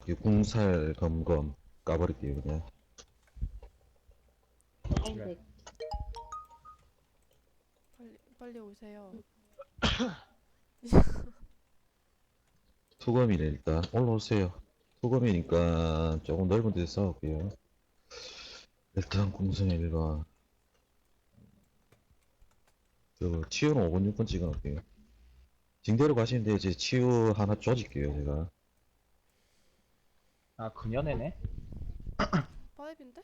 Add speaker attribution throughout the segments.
Speaker 1: 이 궁살 검검 까버릴게요 그냥.
Speaker 2: 네.
Speaker 3: 빨리 오세요.
Speaker 1: 투검이네 일단 올라오세요. 투검이니까 조금 넓은 데서 싸울게요. 일단 궁성의 1번 그 치유는 5번 6번 찍어놓을게요. 징대로 가시는데 이제 치유 하나 조질게요 제가.
Speaker 4: 아, 그녀네네?
Speaker 3: 파이브인데?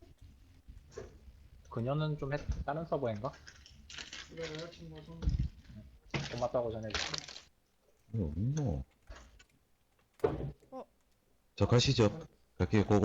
Speaker 4: 그녀는 좀 다른 서버인가? 고맙다고 전해주세요.
Speaker 1: 이거 없노?
Speaker 3: 어.
Speaker 1: 자 가시죠. 갈게요 고고.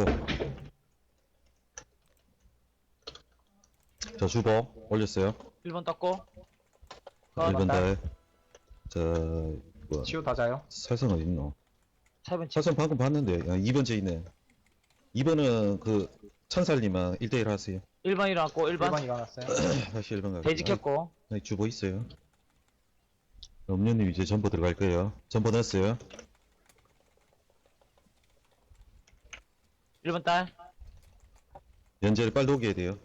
Speaker 1: 자 주보 올렸어요.
Speaker 4: 1번 떴고,
Speaker 1: 1번
Speaker 4: 달.
Speaker 1: 달. 자 뭐야
Speaker 4: 치유 다자요.
Speaker 1: 살성 어딨노?
Speaker 4: 7번
Speaker 1: 살성 방금 봤는데 2번 제 있네. 2번은 그 천살님만 1대1 하세요.
Speaker 5: 1번 일어났고 1번
Speaker 4: 1번 일어났어요.
Speaker 1: 다시 1번 갈게요.
Speaker 5: 돼지 켰고
Speaker 1: 아니, 주보 있어요. 음료님 이제 전보 들어갈 거예요. 전보 넣었어요.
Speaker 5: 1번 딸
Speaker 1: 연재를 빨리 오게 해야 돼요.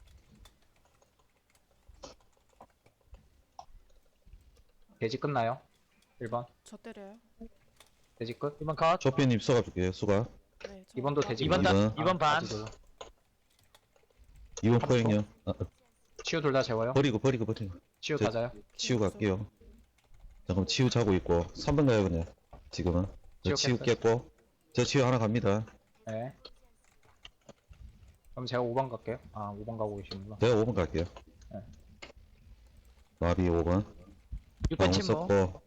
Speaker 4: 돼지 끝나요. 1번.
Speaker 3: 저 때려요.
Speaker 4: 돼지 끝.
Speaker 5: 2번 컷
Speaker 1: 조피님 수가 줄게요. 수가.
Speaker 3: 네.
Speaker 4: 2번도 돼지
Speaker 5: 2번
Speaker 4: 끝.
Speaker 5: 딸
Speaker 1: 이번.
Speaker 5: 2번 반
Speaker 1: 2번 포획요.
Speaker 4: 치유 둘 다 재워요.
Speaker 1: 버리고.
Speaker 4: 치유
Speaker 1: 저-
Speaker 4: 다자요.
Speaker 1: 치우 갈게요. 잠깐만 치우 자고 있고 3번 가요 그냥. 지금은. 저 치우
Speaker 4: 치우
Speaker 1: 깼고. 저 치우 하나 갑니다.
Speaker 4: 네. 그럼 제가 5번 갈게요. 아, 5번 가고 계시는구나.
Speaker 1: 내가 5번 갈게요.
Speaker 4: 네.
Speaker 1: 나비 5번.
Speaker 5: 6번 침묵
Speaker 1: 썼고.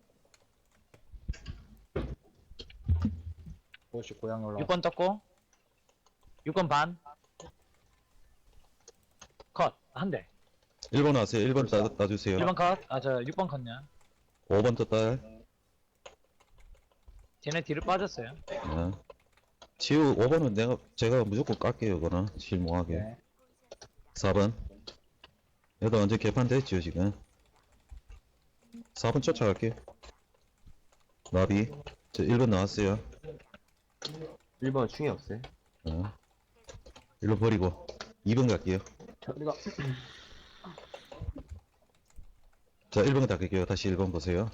Speaker 4: 50 고양이 올라와.
Speaker 5: 6번 떴고 6번 반컷 한대
Speaker 1: 1번 하세요. 1번 따주세요.
Speaker 5: 1번 컷아저 6번 컷냐
Speaker 1: 5번 떴다.
Speaker 5: 쟤네 뒤를 빠졌어요
Speaker 1: 네. 치우 5번은 제가 무조건 깎게요 이거는 실무하게.
Speaker 4: 네.
Speaker 1: 4번 얘도 완전 개판됐죠 지금. 4번 쫓아갈게요. 나비 저 1번 나왔어요.
Speaker 2: 1번 충이 없어요.
Speaker 1: 1번 버리고 2번 갈게요.
Speaker 2: 우리가
Speaker 1: 자 1번 닦을게요. 다시 1번 보세요.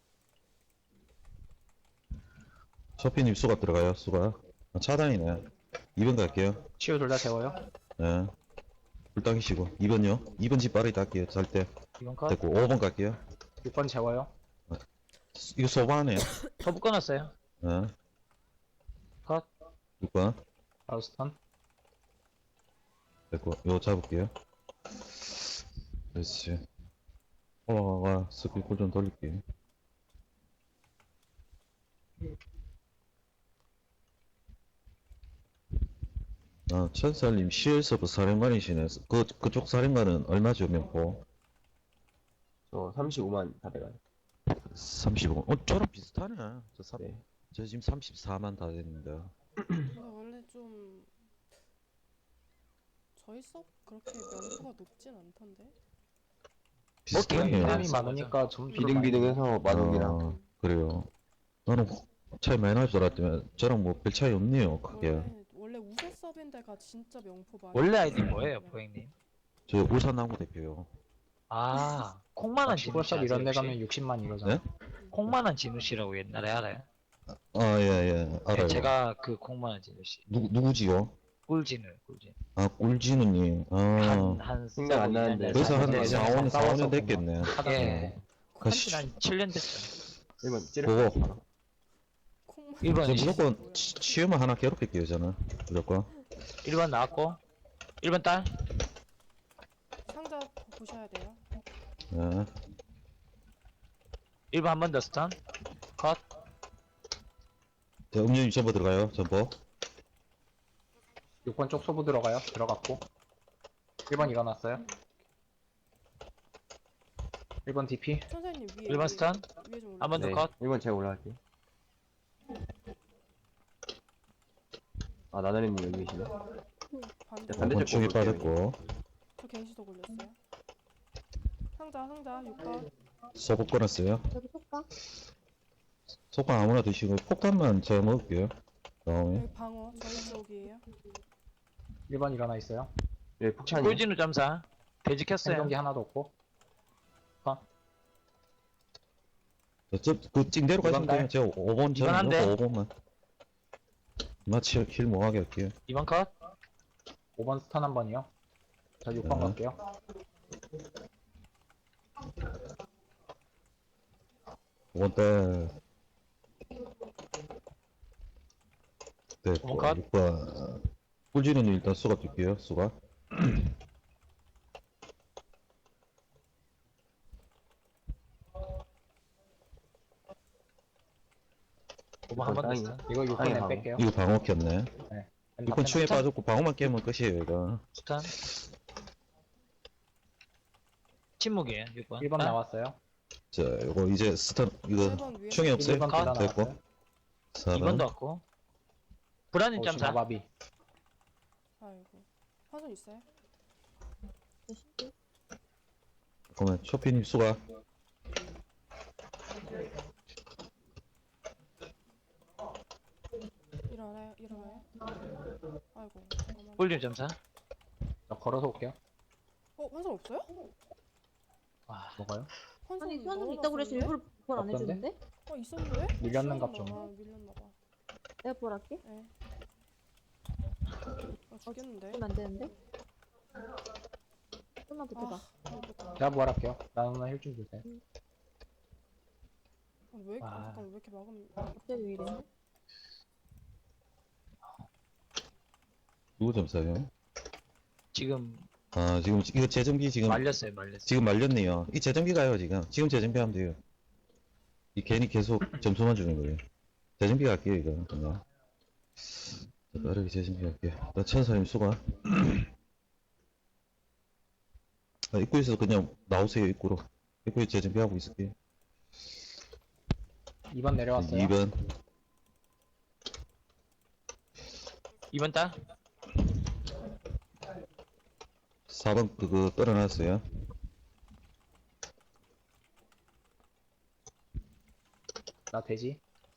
Speaker 1: 쇼피님 수갑 들어가요. 수갑 차단이네. 2번 갈게요.
Speaker 4: 치유 둘 다 재워요.
Speaker 1: 네. 불 당기시고 2번요. 2번 집 빠르게 닦게요. 살때
Speaker 4: 2번 컷.
Speaker 1: 됐고 5번 갈게요.
Speaker 4: 6번 재워요.
Speaker 1: 이거 소바하네요.
Speaker 5: 터부 끊었어요
Speaker 1: 네.
Speaker 5: 컷
Speaker 1: 6번
Speaker 4: 바로 스턴.
Speaker 1: 됐고 이거 잡을게요. 그렇지. 올라가 스킬 쿨좀 돌릴게요. 천살님 CL서브 사령관이시네. 그쪽 사령관은 얼마죠 명포?
Speaker 2: 저 35만 다 돼가요.
Speaker 1: 35. 저랑 비슷하네.
Speaker 2: 네.
Speaker 1: 저 지금 34만 다 됐는데.
Speaker 3: 근데 원래 좀 저희 섭 그렇게 명수가 높진 않던데.
Speaker 1: 비슷하네요.
Speaker 4: 사람이 많으니까 좀
Speaker 2: 비등비등해서 마동이랑
Speaker 1: 그래요. 나는 차이 많이 날 줄 알았더니 저랑 뭐 별 차이 없네요. 크게.
Speaker 3: 원래 우세 섭인데가 진짜 명포 많이.
Speaker 5: 원래 아이디 뭐예요 포행님
Speaker 1: 저 울산나무 대표요.
Speaker 5: 아 콩만한 진우 씨
Speaker 4: 슈퍼샵 이런 데
Speaker 5: 아세요,
Speaker 4: 가면
Speaker 5: 혹시?
Speaker 4: 60만 이러잖아.
Speaker 1: 네?
Speaker 5: 콩만한 진우 씨라고 옛날에 알아요?
Speaker 1: 예, 알아요.
Speaker 5: 네, 제가 그 콩만한 진우 씨
Speaker 1: 누구지요?
Speaker 5: 꿀진우
Speaker 1: 꿀진우님.
Speaker 5: 한
Speaker 2: 생각 안 나는데.
Speaker 1: 그래서 한
Speaker 4: 네,
Speaker 1: 4, 5년, 4,
Speaker 4: 싸워서
Speaker 1: 5년 됐겠네.
Speaker 5: 예
Speaker 1: 가시.
Speaker 5: 한 7년 됐어요
Speaker 2: 1번 찌르.
Speaker 1: 그거.
Speaker 3: 콩만.
Speaker 5: 1번
Speaker 1: 저 무조건 치유만 하나 괴롭힐게요, 저는. 무조건.
Speaker 5: 1번 나왔고 1번 딸
Speaker 3: 상자 보셔야 돼요.
Speaker 1: 네.
Speaker 5: 1번 한 번 더 스턴 컷
Speaker 1: 자, 음료님 전보 들어가요, 전보.
Speaker 4: 6번 쪽 소부 들어가요. 들어갔고. 1번 일어났어요. 1번 DP.
Speaker 3: 선생님 위에.
Speaker 5: 1번 스턴
Speaker 3: 위에 좀 올라.
Speaker 5: 한 번 더
Speaker 2: 네.
Speaker 5: 컷
Speaker 2: 1번 제가 올라갈게요. 아, 나나리님 여기 계시네.
Speaker 3: 반대.
Speaker 2: 자, 반대쪽
Speaker 1: 권충이
Speaker 2: 볼게요,
Speaker 1: 빠졌고.
Speaker 3: 저 겐시도 걸렸어요. 상자 6번.
Speaker 1: 소복 끊었어요.
Speaker 6: 여기 속가?
Speaker 1: 속방 아무나 드시고 폭탄만 제가 먹을게요. 다음에
Speaker 3: 여기 방어 저희 쪽이에요.
Speaker 4: 1번 일어나 있어요.
Speaker 2: 여기 폭탄이.
Speaker 5: 꿀진우 점사. 돼지 켰어요.
Speaker 4: 생존기 하나도 없고.
Speaker 1: 그 찡대로 가시면
Speaker 4: 이번 달?
Speaker 1: 돼요. 제가 5번
Speaker 5: 이번 한 대.
Speaker 1: 5번만 마치 킬 뭐하게 할게요.
Speaker 5: 2번 컷.
Speaker 4: 5번 스턴 한 번이요. 저 6번
Speaker 1: 네.
Speaker 4: 갈게요.
Speaker 1: 오번 딸. 네,
Speaker 5: 5번 컷.
Speaker 1: 6번. 꿀지는 일단 수가 뛸게요. 수가.
Speaker 5: 오번 한번
Speaker 2: 땅이요.
Speaker 5: 됐어.
Speaker 4: 이거
Speaker 2: 아니,
Speaker 4: 6번에
Speaker 2: 방어.
Speaker 4: 뺄게요.
Speaker 1: 이거 방어 켰네.
Speaker 4: 뺀다,
Speaker 1: 6번 충에
Speaker 4: 뺀다.
Speaker 1: 빠졌고 방어만 깨면 끝이에요. 이거.
Speaker 5: 스탄. 침묵이에요. 6번.
Speaker 4: 1번 나왔어요.
Speaker 1: 자, 이거 이제 스턴 이거
Speaker 3: 1번 위에
Speaker 1: 충이 없어요?
Speaker 4: 1번
Speaker 5: 컷.
Speaker 4: 둘다
Speaker 1: 됐고.
Speaker 4: 나왔어요.
Speaker 1: 4번.
Speaker 5: 2번도 왔고. 불안인 점사.
Speaker 4: 마바비.
Speaker 3: 아이고 화손 있어요?
Speaker 1: 그러면 쇼피님 수가.
Speaker 3: 일어나요 아이고 잠깐만.
Speaker 5: 꿀진 점사.
Speaker 4: 저 걸어서 올게요.
Speaker 3: 화손 없어요?
Speaker 5: 와.
Speaker 4: 뭐가요?
Speaker 3: 화손
Speaker 6: 아니 수환이 있다고 그래서 일부러 부활 안
Speaker 4: 없던데?
Speaker 6: 해주는데?
Speaker 3: 있었는데?
Speaker 4: 밀렸는갑 좀.
Speaker 3: 밀렸나봐.
Speaker 6: 내가 부활할게.
Speaker 3: 네. 죽였는데?
Speaker 6: 그러면 안 되는데? 좀만 버텨봐.
Speaker 4: 제가 부활할게요. 나누나 힐좀 주세요.
Speaker 3: 잠깐 왜 이렇게 막으면
Speaker 6: 갑자기 왜 이래?
Speaker 1: 누구 점사요?
Speaker 5: 지금
Speaker 1: 아, 지금 이거 재정비 지금
Speaker 5: 말렸어요.
Speaker 1: 지금 말렸네요. 이 재정비가요, 지금. 지금 재정비하면 돼요. 이 괜히 계속 점수만 주는 거예요. 재정비 갈게요, 이거. 그냥. 자, 빠르게 재정비 할게요. 나 천사님 수가. 아, 입구에서 그냥 나오세요, 입구로. 입구에 재정비하고 있을게요.
Speaker 4: 2번 내려왔어요.
Speaker 1: 2번.
Speaker 5: 2번 딸.
Speaker 1: 4번 그거 떨어놨어요.
Speaker 4: 나 돼지.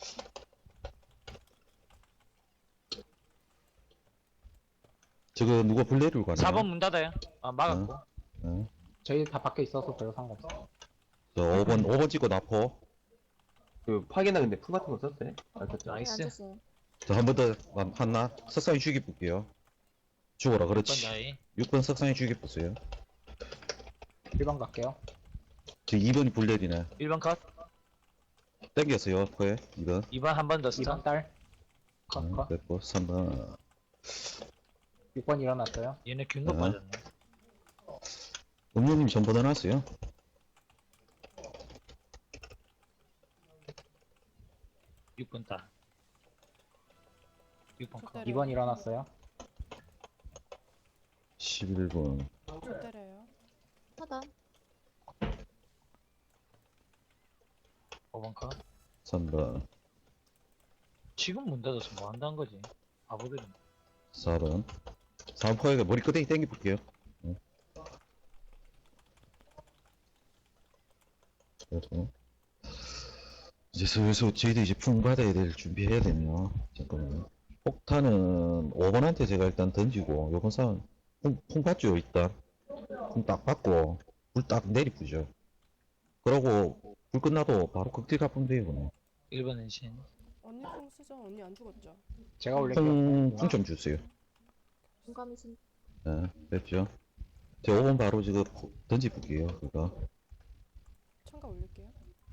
Speaker 1: 저거 누가 블레이를 가네.
Speaker 5: 4번 문 닫아요. 아, 막았고.
Speaker 1: 어.
Speaker 4: 저희 다 밖에 있어서 별로 상관없어요.
Speaker 1: 저 5번 찍고 나포.
Speaker 2: 그 파괴나 근데 풀 같은 거 썼어요? 안 썼죠?
Speaker 6: 안
Speaker 5: 나이스.
Speaker 6: 쳤어요.
Speaker 1: 저 한 번 더 한나 석상이 죽이 볼게요. 죽어라,
Speaker 5: 6번
Speaker 1: 그렇지.
Speaker 5: 나이.
Speaker 1: 6번 석상이 죽이 보세요.
Speaker 4: 1번 갈게요.
Speaker 1: 저 2번이 블레이네.
Speaker 5: 1번 컷.
Speaker 1: 땡겼어요, 거에 2번.
Speaker 5: 2번 한 번 더
Speaker 4: 2번
Speaker 5: 스턴.
Speaker 4: 딸. 컷, 컷.
Speaker 1: 됐고 3번.
Speaker 4: 6번 일어났어요.
Speaker 5: 얘네 균도
Speaker 1: 네.
Speaker 5: 빠졌네.
Speaker 1: 음료님 전부 다 놨어요.
Speaker 5: 6번 딸. 6번 컷.
Speaker 3: 때려요.
Speaker 4: 2번 일어났어요.
Speaker 1: 11번.
Speaker 3: 저 때려요.
Speaker 6: 하단.
Speaker 5: 5번 컷.
Speaker 1: 3번.
Speaker 5: 지금 문 닫아서 뭐 한다는 거지? 바보들은.
Speaker 1: 4번. 4번 포에가 머리 끄댕이 땡겨 볼게요. 그래서 이제 슬슬 저희도 이제 풍 받아야 될 준비해야 되네요. 잠깐만요. 폭탄은 5번한테 제가 일단 던지고 요번 싸움 풍 받죠 일단. 풍 딱 받고 불 딱 내리쁘죠. 그러고 불 끝나도 바로 극딜 가면 돼요 그냥.
Speaker 5: 1번 엔신.
Speaker 3: 언니 콩 쓰죠? 언니 안 죽었죠?
Speaker 4: 제가 올릴게요.
Speaker 1: 풍 좀 주세요.
Speaker 6: 공감이 신.
Speaker 1: 네, 됐죠. 제 5번 바로 지금 던지볼게요 그거.
Speaker 3: 참가 올릴게요.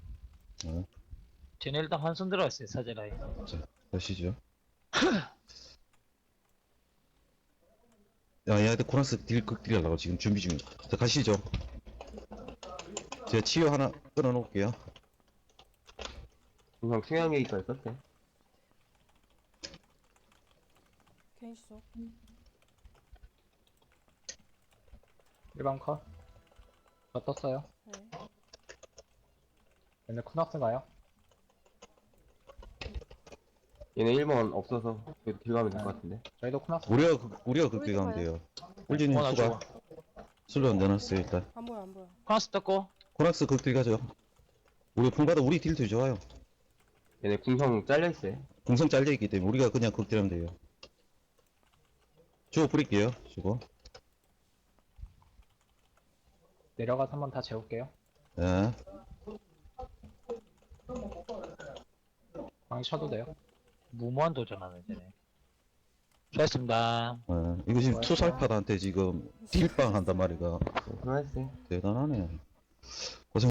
Speaker 5: 쟤네 일단 환손 들어갔어요. 사제라인.
Speaker 1: 가시죠. 야, 얘한테 코랑스 극딜 하려고 지금 준비 중이에요. 자, 가시죠. 제가 치유 하나 끊어놓을게요.
Speaker 2: 그냥 충양계기까지 썼대.
Speaker 3: 개인 시속.
Speaker 4: 1번 컷. 저 떴어요.
Speaker 3: 네.
Speaker 4: 얘네 쿠낙스가요?
Speaker 2: 얘네 1번 없어서 그래도 길 가면 될 것 같은데.
Speaker 4: 저희도 쿠낙스.
Speaker 1: 우리가 극딜 가면 돼요. 꿀진님
Speaker 5: 나
Speaker 1: 수가 술로 안 내놨어요 일단.
Speaker 3: 안 보여 안 보여.
Speaker 5: 코나스 떴고.
Speaker 1: 코랑스 극딜 가죠. 우리 풍받아 우리 딜도 좋아요.
Speaker 2: 얘네 궁성 잘려있어요.
Speaker 1: 궁성 잘려있기 때문에 우리가 그냥 극딜하면 돼요. 주고 뿌릴게요. 주고.
Speaker 4: 내려가서 한번 다 재울게요.
Speaker 1: 예.
Speaker 4: 방이 쳐도 돼요.
Speaker 5: 무모한 도전하네 쟤네. 수고했습니다.
Speaker 1: 예. 이거 지금
Speaker 4: 수고하셨어요.
Speaker 1: 투살파한테 지금 딜빵 한단 말이가
Speaker 2: 수고하셨어요.
Speaker 1: 대단하네.